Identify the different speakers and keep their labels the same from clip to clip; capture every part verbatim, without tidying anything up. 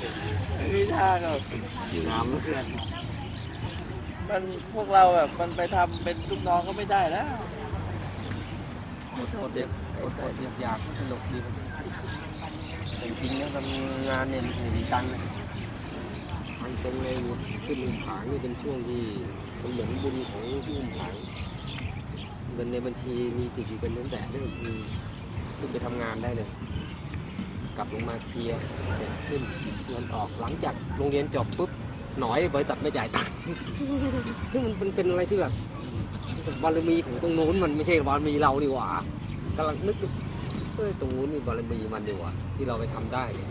Speaker 1: พี่ท่าก็น้ำเพื่อนมันพวกเราแบบมันไปทำเป็นลูกน้องก็ไม่ได้แล้ว
Speaker 2: อดอดเด็กอดอดอยากสนุกดีแต่จริงๆนะทำงานเนี่ยมันดีตังค์นะมันเป็นเลยขึ้นอุ้มผางนี่เป็นช่วงที่มันเหมือนบุญของที่อุ้มผางเงินในบัญชีมีติดอยู่เป็นตั้งแต่เรื่องคือขึ้นไปทำงานได้เลยกลับลงมาเคลียร์เสร็จขึ้นเงินออกหลังจากโรงเรียนจบปุ๊บหน่อยบริษัทไม่จ่ายตังค์ซึ่งมันเป็นอะไรที่แบบบารมีของตรงโน้นมันไม่ใช่บารมีเราดีกว่ากำลังนึกเออตรงนู้นนี่บารมีมันดีกว่าที่เราไปทำได้เนี่ย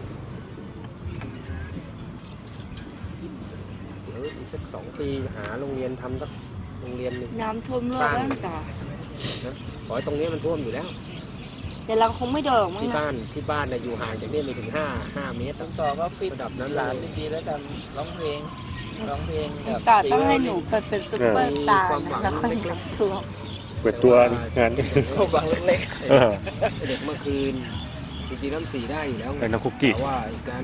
Speaker 2: เดี๋ยวอีกสักสองปีหาโรงเรียนทำสักโรงเรียนหนึ่ง
Speaker 3: น้ำท่วมโลกแล้วจ้ะ
Speaker 2: นะขอให้ตรงนี้มันท่วมอยู่แล้ว
Speaker 3: แต่เราคงไม่เดินมั้งนะ
Speaker 2: ที่บ้านที่บ้านเนี่ยอยู่ห่างจากนี่ไม่ถึงห้าห้าเมตร
Speaker 1: ต้องต่อว่าฟิตระดับนั้นหลานดีๆแล้วกันร้องเพลงร้องเพลงแบบ
Speaker 3: ต่อต้องให้หนูเปิดเป็นซุปเปอร์สตาร์แล้วค่อยกลับตัว
Speaker 4: เปิดตัวงาน
Speaker 1: เขาบังเล็ก
Speaker 2: เด็กเมื่อคืนจริงๆน้ำสีได้อยู่แล้ว
Speaker 4: ไงน้องคุกกี้
Speaker 2: แต่ว่าการ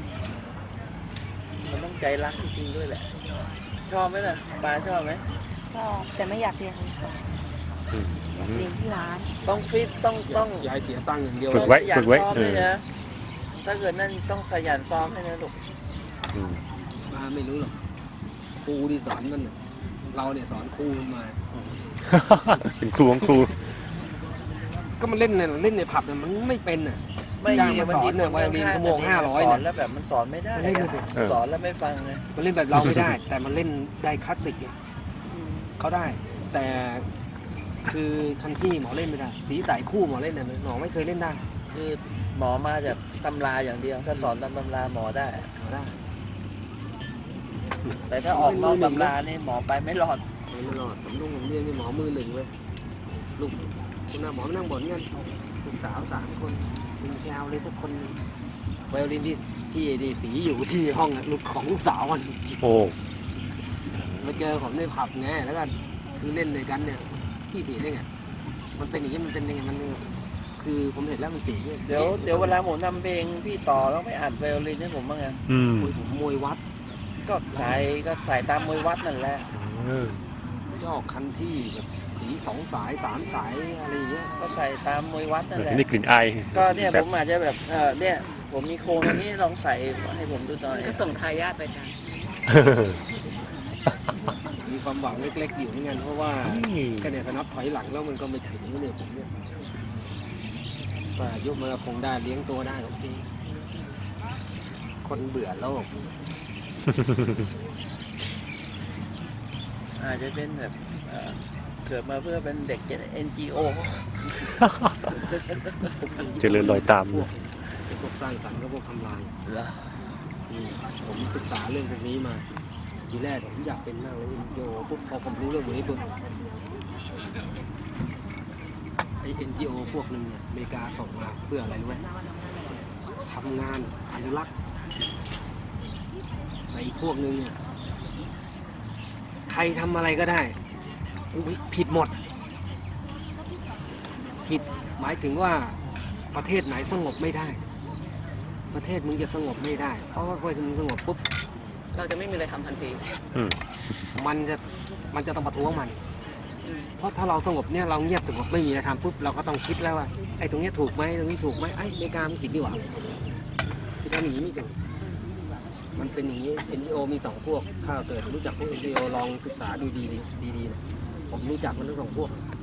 Speaker 1: มันต้องใจรักจริงๆด้วยแหละชอบไหมล่ะปลาชอบไหม
Speaker 3: ชอบแต่ไม่อยากเรียนอยากเรียนที่ร้าน
Speaker 1: ต้องฟิตต้องต้อง
Speaker 2: ย้ายเสียตั้งอย่างเดียว
Speaker 4: ฝึกไว้ฝึกไว้เออ
Speaker 1: ถ้าเกิดนั่นต้องขยันซ้อมให้นะลูก
Speaker 2: มาไม่รู้หรอกครูที่สอนมันเราเนี่ยสอนครูมา
Speaker 4: เป็นครูของครู
Speaker 2: ก็มันเล่นเนี่ยเล่นในผับเนี่ยมันไม่เป็นอ่ะ
Speaker 1: ไม่
Speaker 2: จ้างมาสอนเนี่ยวันละชั่วโมงห้าร้อย
Speaker 1: สอนแล้วแบบมันสอนไม่ได้สอนแล้วไม่ฟังไง
Speaker 2: มันเล่นแบบเราไม่ได้ แต่มันเล่นได้คลาสสิกเนี่ยเขาได้แต่คือทันที่หมอเล่นไม่ได้สีสายคู่หมอเล่นเนี่ยหมอไม่เคยเล่นได้
Speaker 1: คือหมอมาจากตำราอย่างเดียวถ้าสอนตามตำราหมอได้
Speaker 2: ได้
Speaker 1: แต่ถ้าออกนอกตำรานี่หมอไปไม่รอด
Speaker 2: ไม่รอดผมลุงผมเรียนนี่หมอมือหนึ่งเลยลูกคุณหมอนั่งบ่นเงี้ยลูกสาวสามคนคุณแกวเลยทุกคนไวโอลินที่ที่ดีสีอยู่ที่ห้องลูกของลูกสาวมัน
Speaker 4: โอ้
Speaker 2: มาเจอผมในผับไงแล้วก็คือเล่นด้วยกันเนี่ยพี่สีได้ไงมันเป็นอย่างนี้มันเป็นยังไงมันคือผมเห็นแล้วมันสี
Speaker 1: เดี๋ยวเดี๋ยวเวลาผมทำเพลงพี่ต่อต้องไปอัดไวโอลินให้ผมบ้างไง
Speaker 4: อืม
Speaker 2: ผมมวยวัด
Speaker 1: ก็ใส่ก็ใส่ตามมวยวัดนั่นแหละ
Speaker 2: ยอกคันที่แบบสีสองสายสามสายอะไรอย่างเงี้ย
Speaker 1: ก็ใส่ตามมวยวัดนั่นแหละ
Speaker 4: นี่กลิ่นไอ
Speaker 1: ก็เนี่ยผมอาจจะแบบเออเนี่ยผมมีโครงอันนี้ลองใส่ให้ผมดูหน่อย
Speaker 3: ก็ส่งทายาทไปกัน
Speaker 2: มีความหวังเล็กๆอยู่เหมือนกันเพราะว่าก็เนี่ยนับถอยหลังแล้วมันก็ไม่ถึงเนี่ยผมเนี่ยว่ายุคมันคงได้เลี้ยงตัวได้หรอกพี่คนเบื่อโลก
Speaker 1: อาจจะเป็นแบบเกิดมาเพื่อเป็นเด็กเอ็นจีโอ
Speaker 4: เจริญรอยตาม
Speaker 2: พวกพวกสร้างสรรค์ก็พวกทำลายผมศึกษาเรื่องพวกนี้มาทีแรกผมอยากเป็นมากเลยโยปุ๊บพอผมรู้เรื่องนี้ปุ๊บไอเอ็นจีโอพวกนึงเนี่ยอเมริกาส่งมาเพื่ออะไรรู้ไหมทำงานอนุรักษ์ไอพวกนึงเนี่ยใครทำอะไรก็ได้ผิดหมดผิดหมายถึงว่าประเทศไหนสงบไม่ได้ประเทศมึงจะสงบไม่ได้เพราะว่าพอมึงสงบปุ๊บ
Speaker 1: เราจะไม่มีอะไรทำทันที
Speaker 2: มันจะมันจะต้องประท้วงมันเพราะถ้าเราสงบเนี่ยเราเงียบสงบไม่มีอะไรทำปุ๊บเราก็ต้องคิดแล้วว่าไอ้ตรงนี้ถูกไหมตรงนี้ถูกไหมไอ้อเมริกามันผิดดีกว่าที่ทำอย่างนี้ไม่ถูกมันเป็นอย่างนี้ เอ็น จี โอ มีสองพวกถ้าเกิดรู้จักพวก เอ็น จี โอ ลองศึกษาดูดีดีๆนะผมรู้จักมันทั้งสองพวก